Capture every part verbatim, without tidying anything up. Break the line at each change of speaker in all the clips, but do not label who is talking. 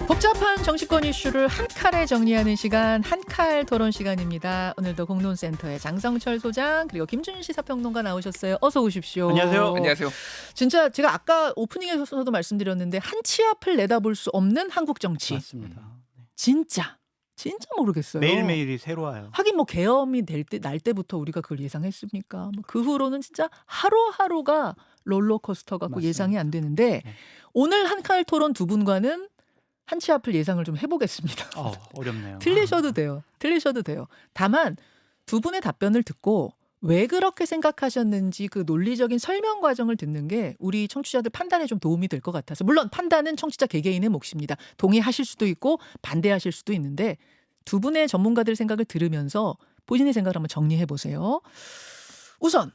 복잡한 정치권 이슈를 한 칼에 정리하는 시간, 한칼 토론 시간입니다. 오늘도 공론센터의 장성철 소장 그리고 김준시 사평론가 나오셨어요. 어서 오십시오.
안녕하세요.
안녕하세요.
진짜 제가 아까 오프닝에서도 말씀드렸는데 한 치 앞을 내다볼 수 없는 한국 정치.
맞습니다.
진짜 진짜 모르겠어요.
매일매일이 새로워요.
하긴 뭐 계엄이 될 때, 날 때부터 우리가 그걸 예상했습니까? 뭐 그 후로는 진짜 하루하루가 롤러코스터 같고
맞습니다.
예상이 안 되는데
네.
오늘 한칼 토론 두 분과는 한 치 앞을 예상을 좀 해보겠습니다.
어, 어렵네요.
틀리셔도 돼요. 틀리셔도 돼요. 다만 두 분의 답변을 듣고 왜 그렇게 생각하셨는지 그 논리적인 설명 과정을 듣는 게 우리 청취자들 판단에 좀 도움이 될 것 같아서, 물론 판단은 청취자 개개인의 몫입니다. 동의하실 수도 있고 반대하실 수도 있는데 두 분의 전문가들 생각을 들으면서 본인의 생각을 한번 정리해 보세요. 우선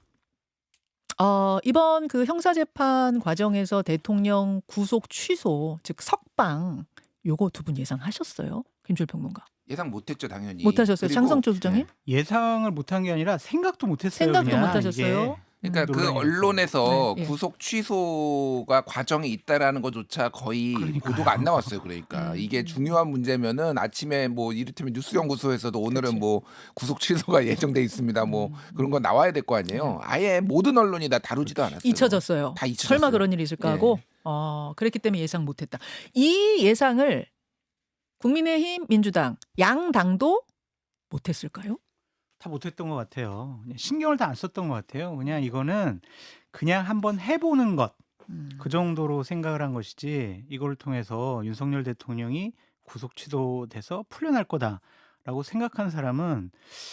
어, 이번 그 형사재판 과정에서 대통령 구속 취소, 즉 석방, 요거 두 분 예상하셨어요? 김주일 평론가.
예상 못했죠 당연히.
못하셨어요?
그리고,
장성철 소장님?
네.
예상을 못한 게 아니라 생각도 못했어요.
생각도
그냥
못하셨어요?
이게.
그러니까 그
논란이었고.
언론에서
네, 예.
구속 취소가 과정이 있다라는 것조차 거의
그러니까요.
보도가 안 나왔어요. 그러니까
음.
이게 중요한 문제면은 아침에 뭐 이를테면 뉴스연구소에서도 오늘은
그치.
뭐 구속 취소가 예정돼 있습니다. 뭐
음.
그런 건 나와야 될 거 아니에요. 아예 모든 언론이 다 다루지도 않았어요.
잊혀졌어요.
다 잊혀졌어요.
설마 그런 일이 있을까 하고
예.
어, 그랬기 때문에 예상 못했다. 이 예상을 국민의힘, 민주당, 양 당도 못했을까요?
다 못했던 것 같아요. 그냥 신경을 다 안 썼던 것 같아요. 그냥 이거는 그냥 한번 해보는 것,
음.
그 정도로 생각을 한 것이지 이걸 통해서 윤석열 대통령이 구속 취소돼서 풀려날 거다라고 생각한 사람은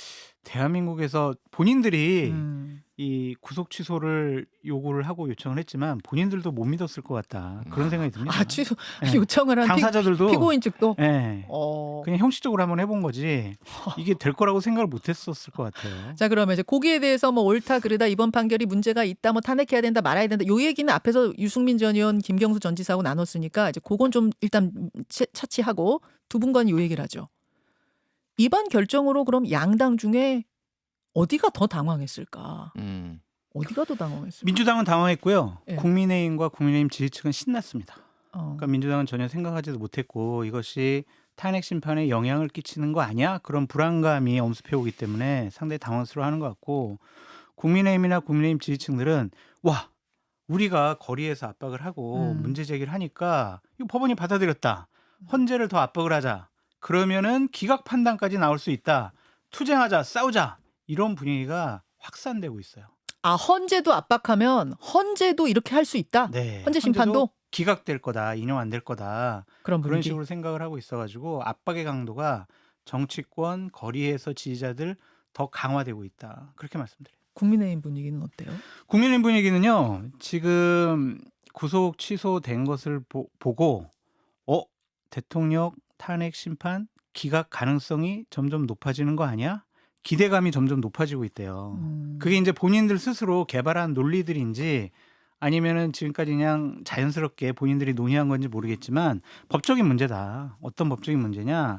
대한민국에서 본인들이
음.
이 구속 취소를 요구를 하고 요청을 했지만 본인들도 못 믿었을 것 같다. 그런 생각이 듭니다.
아, 취소
네.
요청을 한
당사자들도
피, 피고인 측도.
예.
어.
그냥 형식적으로 한번 해본 거지 이게 될 거라고 생각을 못했었을 것 같아요.
자, 그러면 이제 거기에 대해서 뭐 옳다 그르다 이번 판결이 문제가 있다 뭐 탄핵해야 된다 말아야 된다 요 얘기는 앞에서 유승민 전 의원 김경수 전 지사하고 나눴으니까 이제 그건 좀 일단 채- 차치하고 두 분과는 요 얘기를 하죠. 이번 결정으로 그럼 양당 중에 어디가 더 당황했을까?
음.
어디가 더 당황했을까?
민주당은 당황했고요.
예.
국민의힘과 국민의힘 지지층은 신났습니다.
어.
그러니까 민주당은 전혀 생각하지도 못했고 이것이 탄핵 심판에 영향을 끼치는 거 아니야? 그런 불안감이 엄습해 오기 때문에 상당히 당황스러워하는 것 같고 국민의힘이나 국민의힘 지지층들은 와 우리가 거리에서 압박을 하고
음.
문제 제기를 하니까 이거 법원이 받아들였다. 헌재를 더 압박을 하자. 그러면은 기각 판단까지 나올 수 있다. 투쟁하자, 싸우자. 이런 분위기가 확산되고 있어요.
아, 헌재도 압박하면 헌재도 이렇게 할 수 있다.
네.
헌재 심판도
헌재도 기각될 거다, 인용 안 될 거다.
그런
그런
분위기.
식으로 생각을 하고 있어가지고 압박의 강도가 정치권 거리에서 지지자들 더 강화되고 있다. 그렇게 말씀드려요.
국민의힘 분위기는 어때요?
국민의힘 분위기는요. 지금 구속 취소된 것을 보, 보고 어 대통령 탄핵 심판 기각 가능성이 점점 높아지는 거 아니야? 기대감이 점점 높아지고 있대요.
음.
그게 이제 본인들 스스로 개발한 논리들인지 아니면은 지금까지 그냥 자연스럽게 본인들이 논의한 건지 모르겠지만 법적인 문제다. 어떤 법적인 문제냐?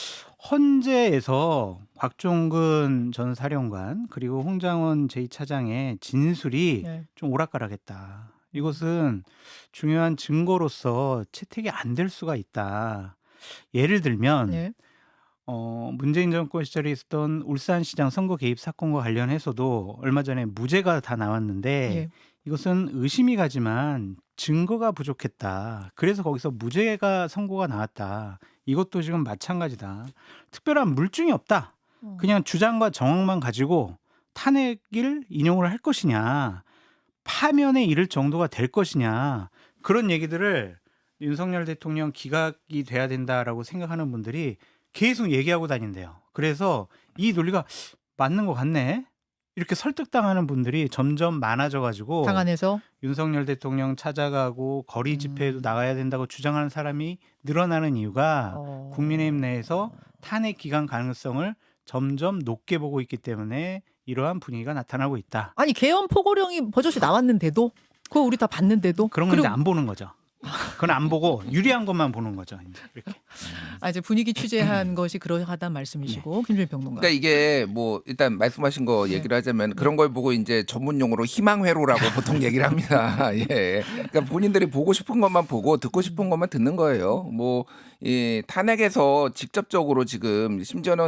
헌재에서 곽종근 전 사령관 그리고 홍장원 제이 차장의 진술이
네.
좀 오락가락했다. 이것은 중요한 증거로서 채택이 안 될 수가 있다. 예를 들면
네.
어, 문재인 정권 시절에 있었던 울산시장 선거 개입 사건과 관련해서도 얼마 전에 무죄가 다 나왔는데
예.
이것은 의심이 가지만 증거가 부족했다. 그래서 거기서 무죄가 선고가 나왔다. 이것도 지금 마찬가지다. 특별한 물증이 없다.
어.
그냥 주장과 정황만 가지고 탄핵을 인용을 할 것이냐, 파면에 이를 정도가 될 것이냐, 그런 얘기들을 윤석열 대통령 기각이 돼야 된다라고 생각하는 분들이 계속 얘기하고 다닌대요. 그래서 이 논리가 맞는 것 같네. 이렇게 설득당하는 분들이 점점 많아져가지고
당안에서
윤석열 대통령 찾아가고 거리 집회에도
음.
나가야 된다고 주장하는 사람이 늘어나는 이유가
어.
국민의힘 내에서 탄핵 기각 가능성을 점점 높게 보고 있기 때문에 이러한 분위기가 나타나고 있다.
아니 계엄 포고령이 버젓이 나왔는데도 그거 우리 다 봤는데도
그런 건
그리고
이제 안 보는 거죠. 그건 안 보고 유리한 것만 보는 거죠. 이제 이렇게.
아, 이제 분위기 취재한 것이 그러하단 말씀이시고 김준일 평론가.
그러니까 이게 뭐 일단 말씀하신 거
네.
얘기를 하자면 그런 걸 보고 이제 전문 용어로 희망회로라고 보통 얘기를 합니다. 예. 그러니까 본인들이 보고 싶은 것만 보고 듣고 싶은 것만 듣는 거예요. 뭐 이 탄핵에서 직접적으로 지금 심지어는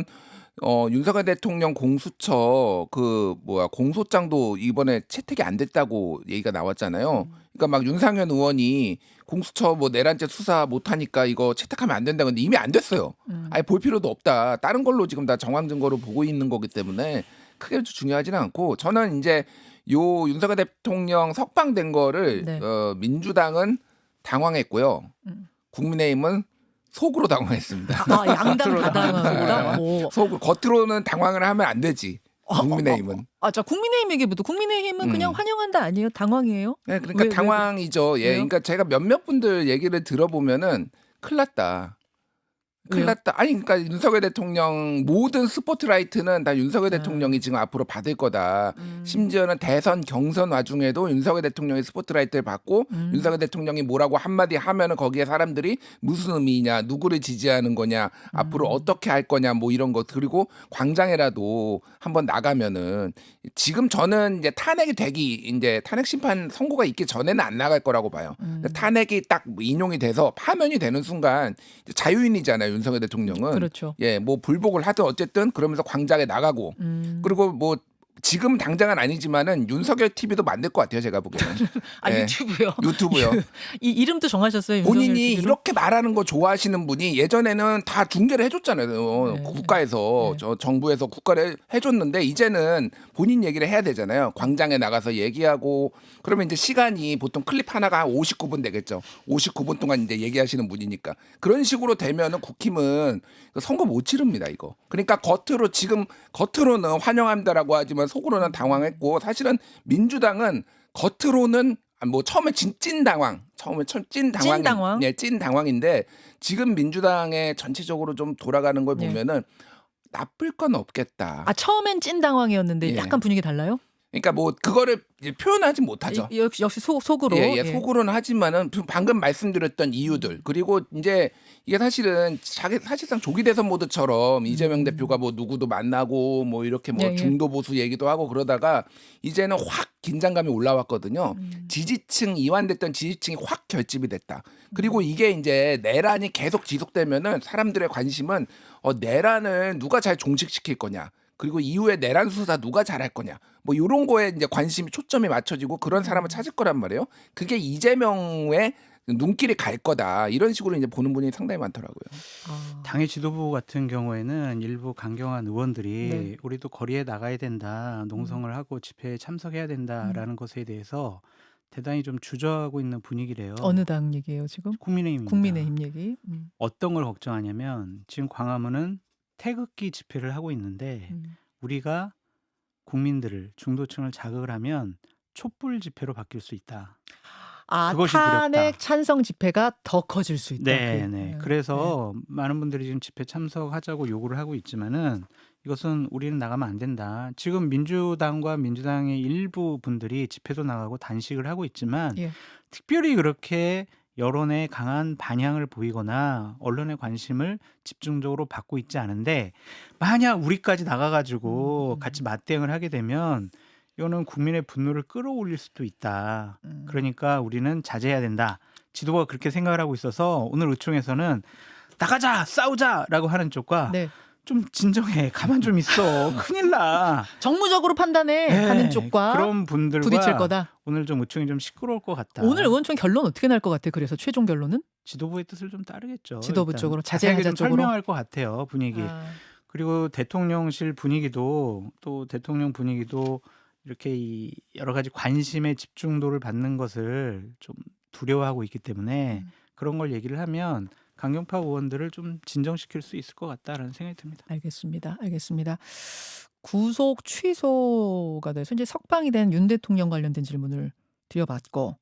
어 윤석열 대통령 공수처 그 뭐야 공소장도 이번에 채택이 안 됐다고 얘기가 나왔잖아요. 그러니까 막 윤상현 의원이 공수처 뭐 내란죄 수사 못 하니까 이거 채택하면 안 된다. 근데 이미 안 됐어요.
음.
아예 볼 필요도 없다. 다른 걸로 지금 다 정황 증거로 보고 있는 거기 때문에 크게 중요하지는 않고 저는 이제 요 윤석열 대통령 석방된 거를
네.
어, 민주당은 당황했고요.
음.
국민의힘은 속으로 당황했습니다.
아, 양당
겉으로
다당하다. 오.
속 겉으로는 당황을 하면 안 되지. 국민의힘은.
아, 자 국민의힘 얘기부터. 국민의힘은
음.
그냥 환영한다 아니에요? 당황이에요?
네, 그러니까
왜, 왜,
당황이죠. 예,
왜요?
그러니까 제가 몇몇 분들 얘기를 들어보면은 큰일 났다. 큰일
왜요?
났다. 아니 그러니까 윤석열 대통령 모든 스포트라이트는 다 윤석열
아.
대통령이 지금 앞으로 받을 거다.
음.
심지어는 대선 경선 와중에도 윤석열 대통령이 스포트라이트를 받고
음.
윤석열 대통령이 뭐라고 한마디 하면은 거기에 사람들이 무슨 의미냐, 누구를 지지하는 거냐, 앞으로
음.
어떻게 할 거냐, 뭐 이런 거 그리고 광장에라도 한번 나가면은 지금 저는 이제 탄핵이 되기 이제 탄핵 심판 선고가 있기 전에는 안 나갈 거라고 봐요.
음.
탄핵이 딱 인용이 돼서 파면이 되는 순간 이제 자유인이잖아요. 윤석열 대통령은.
그렇죠.
예, 뭐 불복을 하든 어쨌든 그러면서 광장에 나가고
음.
그리고 뭐 지금 당장은 아니지만은 윤석열 티비도 만들 것 같아요. 제가 보기에는.
아,
예.
유튜브요.
유튜브요.
이 이름도 정하셨어요. 윤석열
본인이
티비로?
이렇게 말하는 거 좋아하시는 분이 예전에는 다 중계를 해줬잖아요.
네.
국가에서
네.
저 정부에서 국가를 해줬는데 이제는 본인 얘기를 해야 되잖아요. 광장에 나가서 얘기하고 그러면 이제 시간이 보통 클립 하나가 한 오십구 분 되겠죠. 오십구 분 동안 이제 얘기하시는 분이니까 그런 식으로 되면은 국힘은 선거 못 치릅니다. 이거. 그러니까 겉으로 지금 겉으로는 환영한다라고 하지만 속으로는 당황했고 사실은 민주당은 겉으로는 뭐 처음에 진, 찐 당황, 처음에 첫 찐 당황,
찐 당황?
네, 찐 당황인데 지금 민주당의 전체적으로 좀 돌아가는 걸
네.
보면은 나쁠 건 없겠다.
아, 처음엔 찐 당황이었는데
예.
약간 분위기 달라요?
그러니까 뭐 그거를 이제 표현하지 못하죠.
이- 역시 역시 속, 속으로.
예, 예,
예.
속으로는 하지만은 방금 말씀드렸던 이유들 그리고 이제 이게 사실은 자기 사실상 조기 대선 모드처럼 이재명
음.
대표가 뭐 누구도 만나고 뭐 이렇게 뭐
예, 예.
중도 보수 얘기도 하고 그러다가 이제는 확 긴장감이 올라왔거든요.
음.
지지층 이완됐던 지지층이 확 결집이 됐다.
음.
그리고 이게 이제 내란이 계속 지속되면은 사람들의 관심은 어, 내란을 누가 잘 종식시킬 거냐. 그리고 이후에 내란 수사 누가 잘할 거냐. 뭐 이런 거에 이제 관심이 초점이 맞춰지고 그런 사람을 찾을 거란 말이에요. 그게 이재명의 눈길이 갈 거다. 이런 식으로 이제 보는 분이 상당히 많더라고요.
아.
당의 지도부 같은 경우에는 일부 강경한 의원들이
네.
우리도 거리에 나가야 된다, 농성을 하고 집회에 참석해야 된다라는 것에 대해서 대단히 좀 주저하고 있는 분위기래요.
어느 당 얘기예요 지금?
국민의힘입니다.
국민의힘 얘기. 음.
어떤 걸 걱정하냐면 지금 광화문은 태극기 집회를 하고 있는데
음.
우리가 국민들을 중도층을 자극을 하면 촛불 집회로 바뀔 수 있다.
아,
그것이
탄핵
두렵다.
찬성 집회가 더 커질 수 있다.
네,
그,
네.
네.
그래서 많은 분들이 지금 집회 참석하자고 요구를 하고 있지만은 이것은 우리는 나가면 안 된다. 지금 민주당과 민주당의 일부 분들이 집회도 나가고 단식을 하고 있지만
예.
특별히 그렇게 여론에 강한 반향을 보이거나 언론의 관심을 집중적으로 받고 있지 않은데 만약 우리까지 나가가지고
음.
같이 맞대응을 하게 되면 이거는 국민의 분노를 끌어올릴 수도 있다.
음.
그러니까 우리는 자제해야 된다. 지도부가 그렇게 생각을 하고 있어서 오늘 의총에서는 나가자 싸우자라고 하는 쪽과
네.
좀 진정해 가만 좀 있어 큰일 나
정무적으로 판단해
네,
하는 쪽과
그런 분들과
부딪힐 거다.
오늘 좀 의총이 좀 시끄러울 것 같다.
오늘 의원총 결론 어떻게 날 것 같아? 그래서 최종 결론은
지도부의 뜻을 좀 따르겠죠.
지도부
일단
쪽으로,
자세하게
자제하자
좀
쪽으로?
설명할 것 같아요 분위기.
아,
그리고 대통령실 분위기도 또 대통령 분위기도 이렇게 이 여러 가지 관심의 집중도를 받는 것을 좀 두려워하고 있기 때문에
음.
그런 걸 얘기를 하면 강경파 의원들을 좀 진정시킬 수 있을 것 같다라는 생각이 듭니다.
알겠습니다. 알겠습니다. 구속 취소가 돼서 이제 석방이 된 윤 대통령 관련된 질문을 드려봤고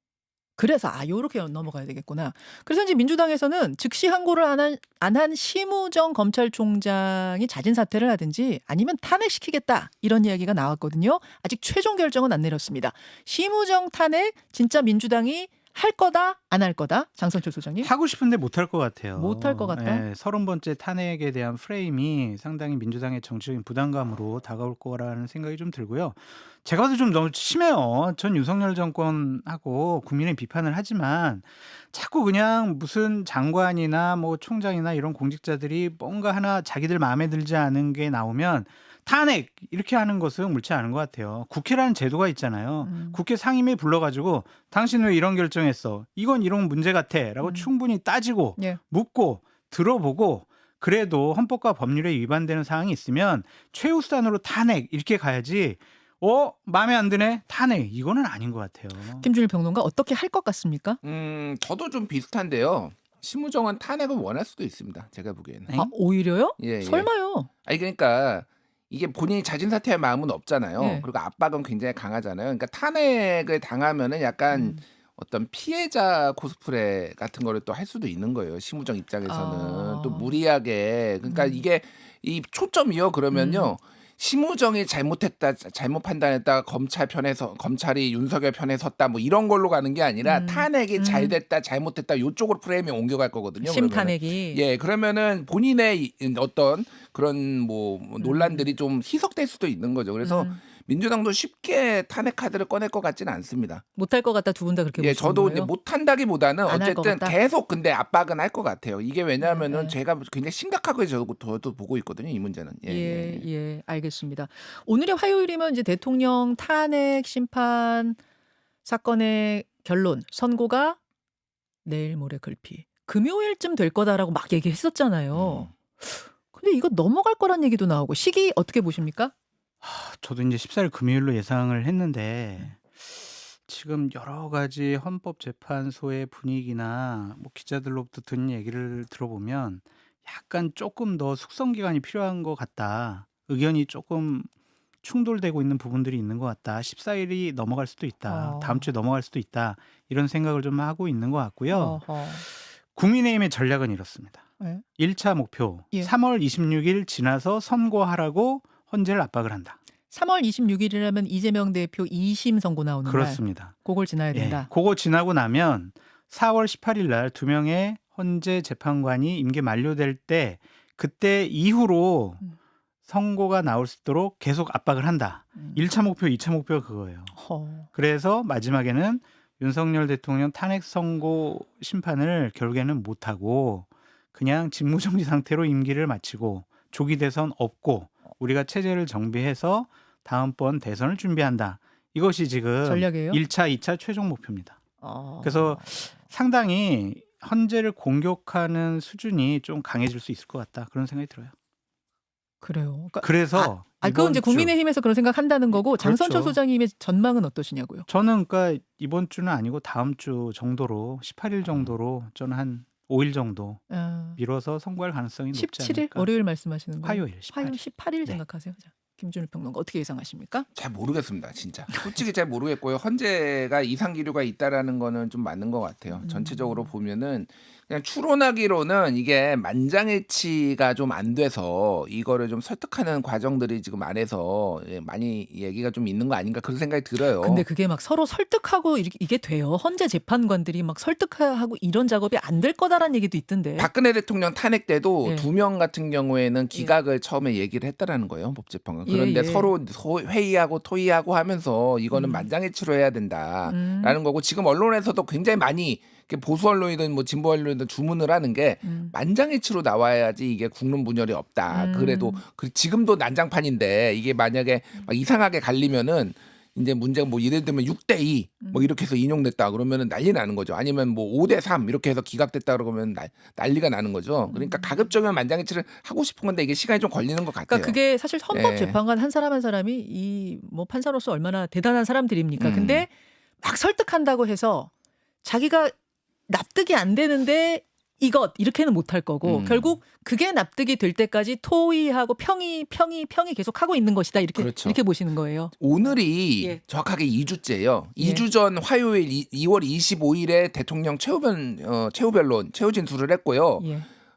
그래서 아 요렇게 넘어가야 되겠구나. 그래서 이제 민주당에서는 즉시 항고를 안 한 안 한 심우정 검찰총장이 자진 사퇴를 하든지 아니면 탄핵시키겠다 이런 이야기가 나왔거든요. 아직 최종 결정은 안 내렸습니다. 심우정 탄핵 진짜 민주당이 할 거다 안 할 거다 장성철 소장님?
하고 싶은데 못할 것 같아요.
못할 것 같다?
예, 서른 번째 탄핵에 대한 프레임이 상당히 민주당의 정치적인 부담감으로 다가올 거라는 생각이 좀 들고요. 제가 봐도 좀 너무 심해요. 전 윤석열 정권하고 국민의 비판을 하지만 자꾸 그냥 무슨 장관이나 뭐 총장이나 이런 공직자들이 뭔가 하나 자기들 마음에 들지 않은 게 나오면 탄핵 이렇게 하는 것은 옳지 않은 것 같아요. 국회라는 제도가 있잖아요.
음.
국회 상임위 불러가지고 당신 왜 이런 결정했어? 이건 이런 문제 같아라고
음.
충분히 따지고
예.
묻고 들어보고 그래도 헌법과 법률에 위반되는 사항이 있으면 최우수단으로 탄핵 이렇게 가야지. 어 마음에 안 드네 탄핵 이거는 아닌 것 같아요.
김준일 평론가 어떻게 할 것 같습니까?
음, 저도 좀 비슷한데요. 심우정은 탄핵을 원할 수도 있습니다. 제가 보기에는.
네?
아 오히려요?
예, 예.
설마요?
아니 그러니까 이게 본인이 자진 사퇴할 마음은 없잖아요.
예.
그리고 압박은 굉장히 강하잖아요. 그러니까 탄핵을 당하면은 약간
음.
어떤 피해자 코스프레 같은 거를 또 할 수도 있는 거예요. 심우정 입장에서는
아.
또 무리하게 그러니까
음.
이게 이 초점이요. 그러면요. 심우정이 잘못했다, 잘못 판단했다, 검찰 편에서 검찰이 윤석열 편에 섰다, 뭐 이런 걸로 가는 게 아니라
음.
탄핵이
음.
잘됐다, 잘못됐다 요쪽으로 프레임이 옮겨갈 거거든요. 그러면은.
심탄핵이.
예, 그러면은 본인의 이- 어떤 그런 뭐
음.
논란들이 좀 희석될 수도 있는 거죠. 그래서
음.
민주당도 쉽게 탄핵 카드를 꺼낼 것 같지는 않습니다.
못할 것 같다 두 분 다 그렇게
예,
보시는
저도
거예요?
이제 못한다기보다는
안할것
어쨌든
같다?
계속 근데 압박은 할 것 같아요. 이게 왜냐하면은
네, 네.
제가 굉장히 심각하게 저도, 저도 보고 있거든요. 이 문제는. 예,
예,
예, 예.
예, 알겠습니다. 오늘이 화요일이면 이제 대통령 탄핵 심판 사건의 결론 선고가 내일 모레 글피 금요일쯤 될 거다라고 막 얘기했었잖아요.
음.
근데 이거 넘어갈 거란 얘기도 나오고 시기 어떻게 보십니까?
하, 저도 이제 십사 일 금요일로 예상을 했는데 지금 여러 가지 헌법재판소의 분위기나 뭐 기자들로부터 듣는 얘기를 들어보면 약간 조금 더 숙성 기간이 필요한 것 같다. 의견이 조금 충돌되고 있는 부분들이 있는 것 같다. 십사 일이 넘어갈 수도 있다.
어.
다음 주에 넘어갈 수도 있다. 이런 생각을 좀 하고 있는 것 같고요.
어허.
국민의힘의 전략은 이렇습니다.
네.
일 차 목표
예.
삼월 이십육일 지나서 선고하라고 헌재를 압박을 한다.
삼월 이십육일이라면 이재명 대표 이 심 선고 나오는 날.
그렇습니다.
그걸 지나야
예,
된다.
그거 지나고 나면 사월 십팔일 날 두 명의 헌재 재판관이 임기 만료될 때 그때 이후로
음.
선고가 나올 수 있도록 계속 압박을 한다.
음.
일 차 목표, 이 차 목표가 그거예요.
허.
그래서 마지막에는 윤석열 대통령 탄핵 선고 심판을 결국에는 못하고 그냥 직무정지 상태로 임기를 마치고 조기 대선 없고 우리가 체제를 정비해서 다음번 대선을 준비한다. 이것이 지금
전략이에요?
일 차, 이 차 최종 목표입니다.
어.
그래서 상당히 헌재를 공격하는 수준이 좀 강해질 수 있을 것 같다. 그런 생각이 들어요.
그래요. 그러니까
그래서
아, 그건
이번
이제
주
국민의힘에서 그런 생각한다는 거고 장선철
그렇죠.
소장님의 전망은 어떠시냐고요?
저는 그러니까 이번 주는 아니고 다음 주 정도로 십팔 일 정도로 저는 한 오 일 정도
아,
미뤄서 선고할 가능성이 높지
십칠 일
않을까.
월요일 말씀하시는 거예요?
화요일 십팔 일.
화요일 십팔 일
네.
생각하세요. 자, 김준일 평론가 어떻게 예상하십니까?
잘 모르겠습니다, 진짜. 솔직히 잘 모르겠고요. 헌재가 이상 기류가 있다라는 거는 좀 맞는 것 같아요.
음.
전체적으로 보면은 그냥 추론하기로는 이게 만장일치가 좀 안 돼서 이거를 좀 설득하는 과정들이 지금 안에서 예, 많이 얘기가 좀 있는 거 아닌가 그런 생각이 들어요.
근데 그게 막 서로 설득하고 이렇게 이게 돼요. 헌재 재판관들이 막 설득하고 이런 작업이 안 될 거다라는 얘기도 있던데.
박근혜 대통령 탄핵 때도
예.
두 명 같은 경우에는 기각을 처음에 얘기를 했다라는 거예요, 헌법재판관. 그런데
예, 예.
서로 소- 회의하고 토의하고 하면서 이거는
음.
만장일치로 해야 된다라는
음.
거고 지금 언론에서도 굉장히 많이 이렇게 보수 언론이든 뭐 진보 언론이든 주문을 하는 게
음.
만장일치로 나와야지 이게 국론 분열이 없다.
음.
그래도 그 지금도 난장판인데 이게 만약에 막 이상하게 갈리면은 이제 문제가 뭐 예를 들면 육 대 이 뭐
음.
이렇게 해서 인용됐다 그러면은 난리 나는 거죠. 아니면 뭐 오 대 삼 이렇게 해서 기각됐다 그러면 난, 난리가 나는 거죠. 그러니까 가급적이면 만장일치를 하고 싶은 건데 이게 시간이 좀 걸리는 것 같아요.
그러니까 그게 사실 헌법
예.
재판관 한 사람 한 사람이 이 뭐 판사로서 얼마나 대단한 사람들입니까?
음.
근데 막 설득한다고 해서 자기가 납득이 안 되는데 이것 이렇게는 못할 거고
음.
결국 그게 납득이 될 때까지 토의하고 평의 평의 평의 계속 하고 있는 것이다 이렇게
그렇죠.
이렇게 보시는 거예요.
오늘이
예.
정확하게 이 주째예요.
예.
이 주 전 화요일 이, 이월 이십오일에 대통령 최후 변 어, 최후 변론 최후 진술을 했고요.
예.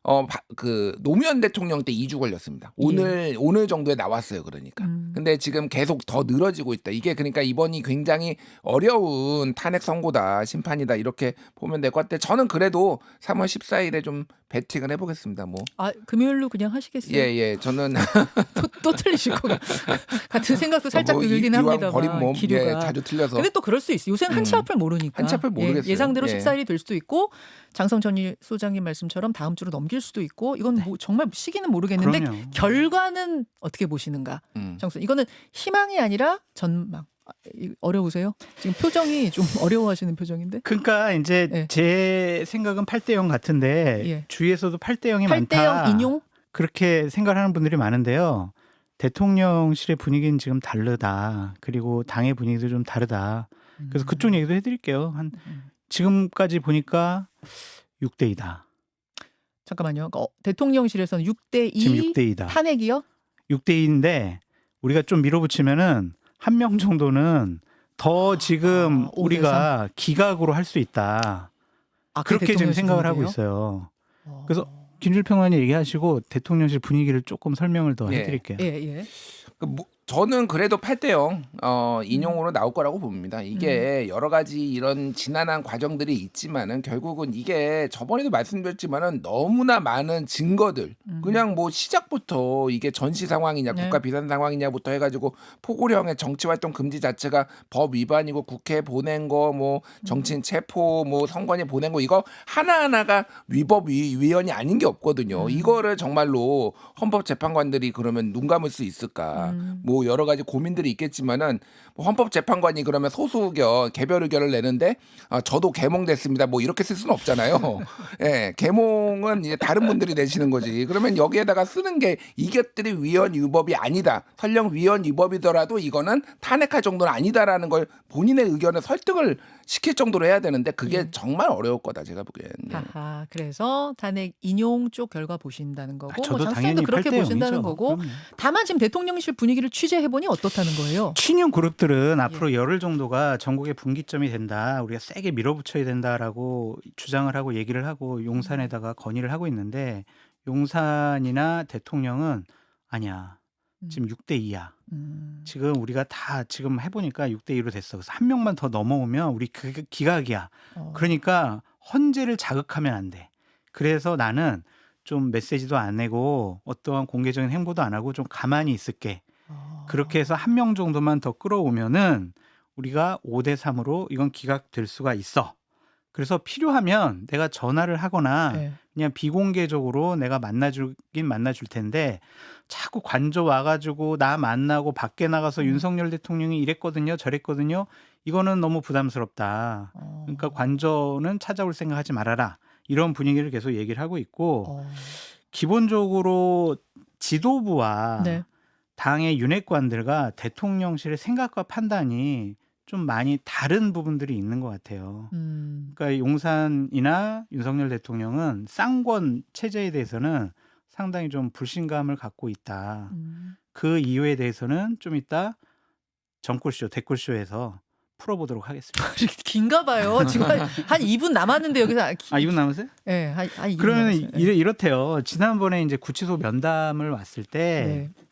어 그 노무현 대통령 때 이 주 걸렸습니다. 오늘 오늘 정도에 나왔어요. 그러니까.
음.
근데 지금 계속 더 늘어지고 있다. 이게 그러니까 이번이 굉장히 어려운 탄핵 선고다, 심판이다 이렇게 보면 될 것 같아요. 저는 그래도 삼월 십사일에 좀 배팅을 해보겠습니다. 뭐.
아 금요일로 그냥 하시겠어요?
예, 예. 저는
또, 또 틀리실 것 같- 같은 생각도 살짝
뭐 이-
들긴
이왕
합니다만
버린 몸
기류가.
예, 자주 틀려서.
근데 또 그럴 수 있어요. 요새는 한치
음.
앞을 모르니까.
한치 앞을 모르겠어요.
예, 예상대로
예.
십사일이 될 수도 있고 장성천 소장님 말씀처럼 다음 주로 넘길 수도 있고 이건 뭐 정말 시기는 모르겠는데
그럼요.
결과는 어떻게 보시는가?
음.
정선 이거는 희망이 아니라 전망. 아, 이- 어려우세요? 지금 표정이 좀 어려워하시는 표정인데.
그러니까 이제
예.
제 생각은 팔 대 영 같은데
예.
주위에서도 팔 대 영이
팔 대 영
많다.
인용?
그렇게 생각하는 분들이 많은데요. 대통령실의 분위기는 지금 다르다. 그리고 당의 분위기도 좀 다르다. 그래서 그쪽 얘기도 해드릴게요. 한
음.
지금까지 보니까 육 대 이다.
잠깐만요. 어, 대통령실에서는 육 대 이
지금 육 대 이다.
탄핵이요?
육 대 이인데 우리가 좀 밀어붙이면은 한 명 정도는 더 지금
아, 오 대
우리가 기각으로 할 수 있다.
아, 그게
그렇게 지금
대통령실
생각을 하고
분위기예요?
있어요.
어.
그래서 김준일 평론가님 얘기하시고 대통령실 분위기를 조금 설명을 더
예.
해드릴게요.
예, 예.
그 뭐- 저는 그래도 팔 대 영 어, 인용으로 나올 거라고 봅니다. 이게 여러 가지 이런 지난한 과정들이 있지만은 결국은 이게 저번에도 말씀드렸지만은 너무나 많은 증거들
음.
그냥 뭐 시작부터 이게 전시 상황이냐
네.
국가 비상 상황이냐부터 해가지고 포고령의 정치 활동 금지 자체가 법 위반이고 국회 보낸 거 뭐 정치인 체포 뭐 선관위 보낸 거 이거 하나 하나가 위법 위, 위헌이 아닌 게 없거든요.
음.
이거를 정말로 헌법 재판관들이 그러면 눈 감을 수 있을까?
음.
뭐 여러 가지 고민들이 있겠지만은 뭐 헌법재판관이 그러면 소수 의견 개별 의견을 내는데 아, 저도 개몽됐습니다. 뭐 이렇게 쓸 수는 없잖아요. 예, 개몽은 이제 다른 분들이 내시는 거지. 그러면 여기에다가 쓰는 게 이것들이 위헌 위법이 아니다. 설령 위헌 위법이더라도 이거는 탄핵할 정도는 아니다라는 걸 본인의 의견을 설득을 시킬 정도로 해야 되는데 그게
예.
정말 어려울 거다 제가 보기엔. 예.
하하, 그래서 탄핵 인용 쪽 결과 보신다는 거고,
아,
뭐
저도
장선도
당연히
그렇게
팔 대
보신다는
영이죠.
거고.
그럼요.
다만 지금 대통령실 분위기를 취재해 보니 어떻다는 거예요?
친윤
예.
그룹들은 앞으로 열흘 정도가 전국의 분기점이 된다. 우리가 세게 밀어붙여야 된다라고 주장을 하고 얘기를 하고 용산에다가 건의를 하고 있는데 용산이나 대통령은 아니야. 지금 육 대 이야.
음.
지금 우리가 다 지금 해보니까 육 대 이로 됐어. 그래서 한 명만 더 넘어오면 우리 그 기각이야.
어.
그러니까 헌재를 자극하면 안 돼. 그래서 나는 좀 메시지도 안 내고 어떠한 공개적인 행보도 안 하고 좀 가만히 있을게.
어.
그렇게 해서 한 명 정도만 더 끌어오면은 우리가 오 대 삼으로 이건 기각될 수가 있어. 그래서 필요하면 내가 전화를 하거나
예.
그냥 비공개적으로 내가 만나주긴 만나줄 텐데 자꾸 관저 와가지고 나 만나고 밖에 나가서
음.
윤석열 대통령이 이랬거든요 저랬거든요. 이거는 너무 부담스럽다.
어.
그러니까 관저는 찾아올 생각하지 말아라. 이런 분위기를 계속 얘기를 하고 있고
어.
기본적으로 지도부와
네.
당의 윤핵관들과 대통령실의 생각과 판단이 좀 많이 다른 부분들이 있는 것 같아요.
음.
그러니까 용산이나 윤석열 대통령은 쌍권 체제에 대해서는 상당히 좀 불신감을 갖고 있다.
음.
그 이유에 대해서는 좀 이따 정골쇼, 댓글쇼에서 풀어보도록 하겠습니다.
긴가 봐요. 지금 한, 한 이 분 남았는데 여기서 아, 기,
아, 이분 남으세요?
예, 한, 한 이 분
그러면
남았어요. 예.
이래, 이렇대요. 지난번에 이제 구치소 면담을 왔을 때
네.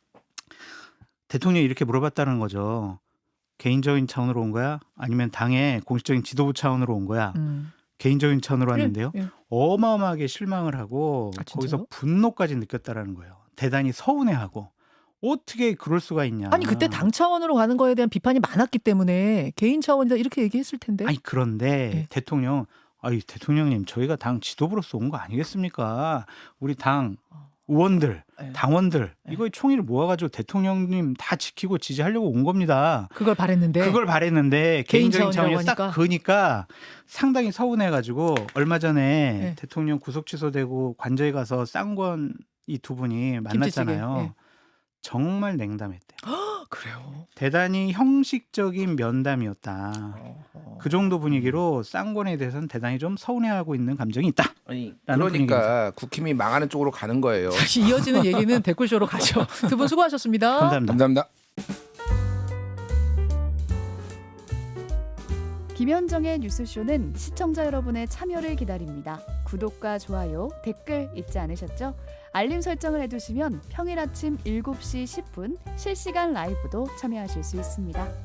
대통령이 이렇게 물어봤다는 거죠. 개인적인 차원으로 온 거야? 아니면 당의 공식적인 지도부 차원으로 온 거야?
음.
개인적인 차원으로 왔는데요.
예, 예.
어마어마하게 실망을 하고
아,
거기서
진짜요?
분노까지 느꼈다라는 거예요. 대단히 서운해하고 어떻게 그럴 수가 있냐.
아니 그때 당 차원으로 가는 거에 대한 비판이 많았기 때문에 개인 차원이다 이렇게 얘기했을 텐데.
아니 그런데
네.
대통령, 아이 대통령님 저희가 당 지도부로서 온 거 아니겠습니까? 우리 당 의원들,
예.
당원들
네.
이거 총의를 모아가지고 대통령님 다 지키고 지지하려고 온 겁니다.
그걸 바랬는데.
그걸 바랬는데
개인
개인적인
차원이라고
차원이 딱
하니까?
그니까 상당히 서운해가지고 얼마 전에
네.
대통령 구속 취소되고 관저에 가서 쌍권 이 두 분이 만났잖아요.
김치찌개, 네.
정말 냉담했대요.
그래요.
대단히 형식적인 면담이었다.
어허.
그 정도 분위기로 쌍권에 대해서는 대단히 좀 서운해하고 있는 감정이 있다.
아니
라는
그러니까 국힘이 망하는 쪽으로 가는 거예요.
다시 이어지는 얘기는 댓글쇼로 가죠. 두 분 수고하셨습니다.
감사합니다.
감사합니다.
김현정의 뉴스쇼는 시청자 여러분의 참여를 기다립니다. 구독과 좋아요, 댓글 잊지 않으셨죠? 알림 설정을 해두시면 평일 아침 일곱 시 십 분 실시간 라이브도 참여하실 수 있습니다.